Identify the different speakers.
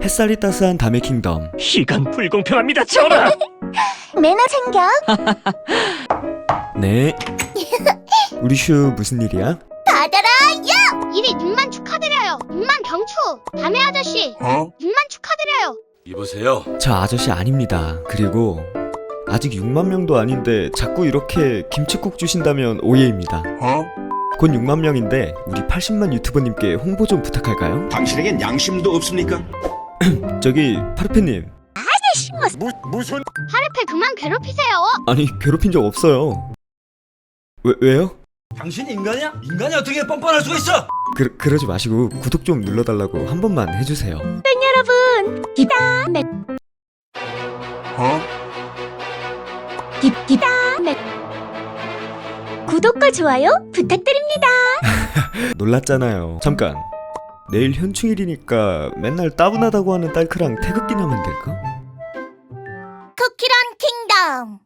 Speaker 1: 햇살이 따스한 담의 킹덤.
Speaker 2: 이건 불공평합니다, 전하!
Speaker 3: 매너 챙겨.
Speaker 1: 네. 우리 슈 무슨 일이야?
Speaker 3: 받아라.
Speaker 4: 1위 6만 축하드려요. 6만 경추. 담의 아저씨. 6만 축하드려요.
Speaker 5: 이보세요.
Speaker 1: 저 아저씨 아닙니다. 그리고 아직 6만 명도 아닌데 자꾸 이렇게 김치국 주신다면 오해입니다. 곧 6만 명인데 우리 80만 유튜버님께 홍보 좀 부탁할까요?
Speaker 5: 당신에겐 양심도 없습니까?
Speaker 1: 저기 파르페님.
Speaker 5: 무슨?
Speaker 4: 파르페 그만 괴롭히세요.
Speaker 1: 아니 괴롭힌 적 없어요. 왜요?
Speaker 5: 당신 인간이야? 인간이 어떻게 뻔뻔할 수가 있어?
Speaker 1: 그러지 마시고 구독 좀 눌러달라고 한 번만 해주세요.
Speaker 3: 여러분. 기다. 네. 기다. 네. 구독과 좋아요 부탁드립니다.
Speaker 1: 놀랐잖아요. 잠깐. 내일 현충일이니까 맨날 따분하다고 하는 딸크랑 태극기 나면 될까?
Speaker 3: 쿠키런 킹덤.